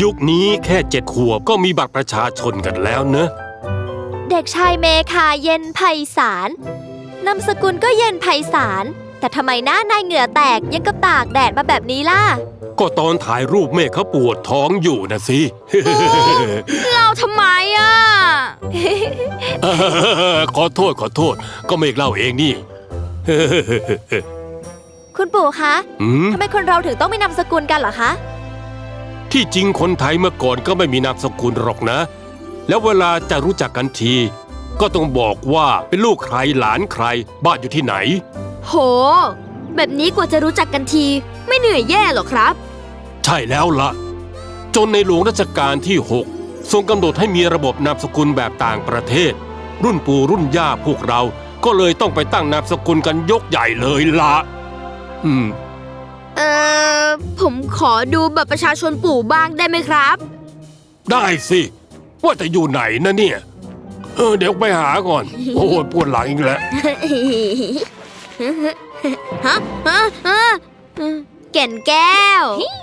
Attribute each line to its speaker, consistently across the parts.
Speaker 1: ยุคนี้แค่7 ขวบก็มีบัตรประชาชนกันแล้วเนอะ
Speaker 2: เด็กชายเมคาเย็นไพศาลนามสกุลก็เย็นไพศาลแต่ทำไมหน้านายเหงื่อแตกยังกับตากแดดมาแบบนี้ล่ะ
Speaker 1: ก็ตอนถ่ายรูปเมฆเขาปวดท้องอยู่นะสิ
Speaker 3: เราทำไมอ่ะ
Speaker 1: ขอโทษก็เมฆเล่าเองนี่
Speaker 2: คุณปู่คะทำไมคนเราถึงต้องมีนามสกุลกันเหรอคะ
Speaker 1: ที่จริงคนไทยเมื่อก่อนก็ไม่มีนามสกุลหรอกนะแล้วเวลาจะรู้จักกันทีก็ต้องบอกว่าเป็นลูกใครหลานใครบ้านอยู่ที่ไหน
Speaker 3: โหแบบนี้กว่าจะรู้จักกันทีไม่เหนื่อยแย่หรอครับ
Speaker 1: ใช่แล้วล่ะจนในหลวงรัชกาลที่6ทรงกำหนดให้มีระบบนามสกุลแบบต่างประเทศรุ่นปู่รุ่นย่าพวกเราก็เลยต้องไปตั้งนามสกุลกันยกใหญ่เลยล่ะ
Speaker 3: ผมขอดูบัตรประชาชนปู่บ้างได้ไหมครับ
Speaker 1: ได้สิว่าจะอยู่ไหนนะเนี่ยเดี๋ยวไปหาก่อนโอ้ยปวดหลังอีกแล้ว
Speaker 3: แก่นแก้ว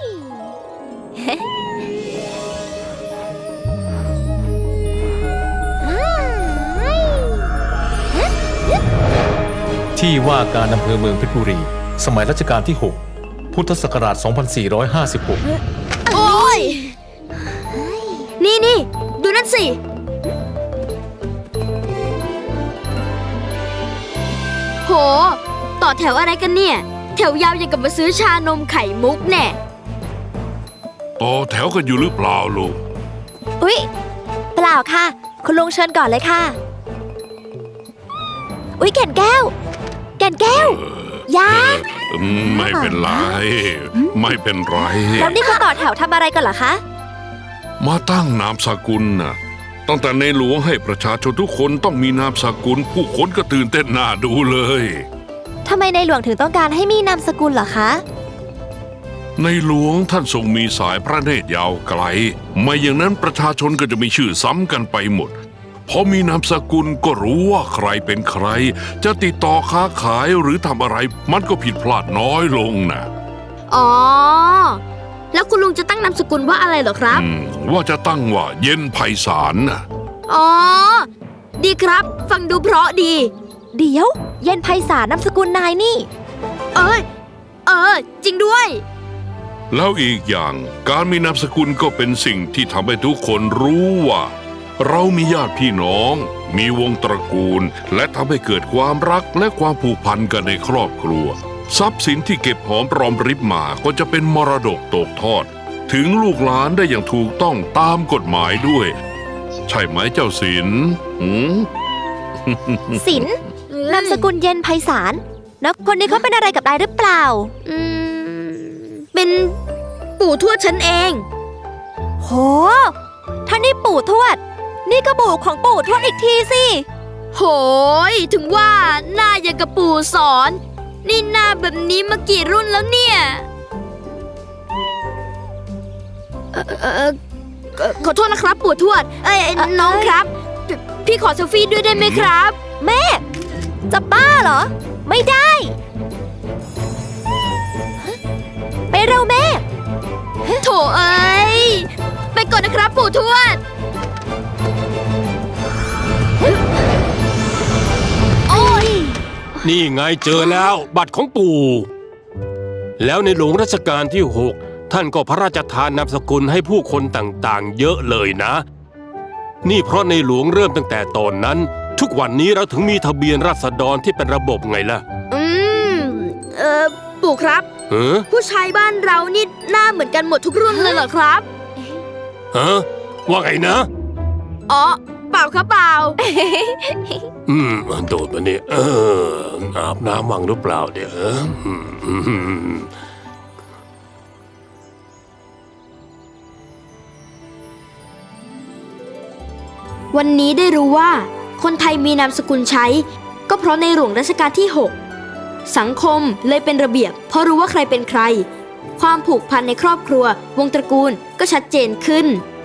Speaker 4: ที่ว่าการอำเภอเมืองเพชรบุรีสมัยรัชกาลที่ 6 พุทธศักราช 2456
Speaker 3: โอ้ยนี่ดูนั่นสิโหต่อแถวอะไรกันเนี่ยแถวยาวอย่างกับมาซื้อชานมไข่มุกแน่
Speaker 5: ต่อแถวกันอยู่หรือเปล่าลูก
Speaker 2: อุ๊ยเปล่าค่ะคุณลุงเชิญก่อนเลยค่ะอุ๊ยแก่นแก้วยา
Speaker 5: ไม่เป็นไร
Speaker 2: แล้วนี่เขาต่อแถวทำอะไรกันเหรอคะ
Speaker 5: มาตั้งนามสกุลน่ะตั้งแต่ในหลวงให้ประชาชนทุกคนต้องมีนามสกุลผู้คนก็ตื่นเต้นน่าดูเลย
Speaker 2: ทำไมในหลวงถึงต้องการให้มีนามสกุลเหรอคะ
Speaker 5: ในหลวงท่านทรงมีสายพระเนตรยาวไกลไม่อย่างนั้นประชาชนก็จะมีชื่อซ้ำกันไปหมดพอมีนามสกุลก็รู้ว่าใครเป็นใครจะติดต่อค้าขายหรือทำอะไรมันก็ผิดพลาดน้อยลงนะ
Speaker 3: อ๋อแล้วคุณลุงจะตั้งนามสกุลว่าอะไรเหรอครับ
Speaker 5: ว่าจะตั้งว่าเย็นไพศาลนะ
Speaker 3: อ๋อดีครับฟังดูเพราะดี
Speaker 2: เดี๋ยวเย็นไพศาลนามสกุลนายนี่
Speaker 3: จริงด้วย
Speaker 5: แล้วอีกอย่างการมีนามสกุลก็เป็นสิ่งที่ทำให้ทุกคนรู้ว่าเรามีญาติพี่น้องมีวงตระกูลและทำให้เกิดความรักและความผูกพันกันในครอบครัวทรัพย์สินที่เก็บหอมรอมริบมาก็จะเป็นมรดกตกทอดถึงลูกหลานได้อย่างถูกต้องตามกฎหมายด้วยใช่ไหมเจ้าศิลป์
Speaker 2: ศิลป์นามสกุลเย็นไพศาลแล้วคนนี้เขาเป็นอะไรกับนายหรือเปล่า
Speaker 3: เป็นปู่ทวดฉันเอง
Speaker 2: โหท่านนี่ปู่ทวดนี่ก็ปู่ของปู่ทวดอีกทีสิ
Speaker 3: โหยถึงว่าหน้าอย่างกับปู่สอนนี่หน้าแบบนี้มากี่รุ่นแล้วเนี่ยขอโทษนะครับปู่ทวดน้องครับพี่ขอเซลฟี่ด้วยได้ไหมครับ
Speaker 2: แม่จะบ้าเหรอไม่ได้ไปเร็วแม่
Speaker 3: โถเอ้ยไปก่อนนะครับปู่ทวด
Speaker 2: โอ้ย
Speaker 1: นี่ไงเจอแล้วบัตรของปู่แล้วในหลวงรัชกาลที่6ท่านก็พระราชทานนามสกุลให้ผู้คนต่างๆเยอะเลยนะนี่เพราะในหลวงเริ่มตั้งแต่ตอนนั้นทุกวันนี้เราถึงมีทะเบียนราษฎรที่เป็นระบบไงล่ะ
Speaker 3: ปู่ครับผู้ชายบ้านเรานี่หน้าเหมือนกันหมดทุกรุ่นเลยเหรอครับ
Speaker 1: ว่าไงนะ
Speaker 3: อ๋อเปล่าครับเปล่า
Speaker 1: โดดมาเนี่ยอาบน้ำวังหรือเปล่าเดี๋ยว
Speaker 3: วันนี้ได้รู้ว่าคนไทยมีนามสกุลใช้ก็เพราะในหลวงรัชกาลที่6สังคมเลยเป็นระเบียบเพราะรู้ว่าใครเป็นใครความผูกพันในครอบครัววงตระกูลก็ชัดเจนขึ้น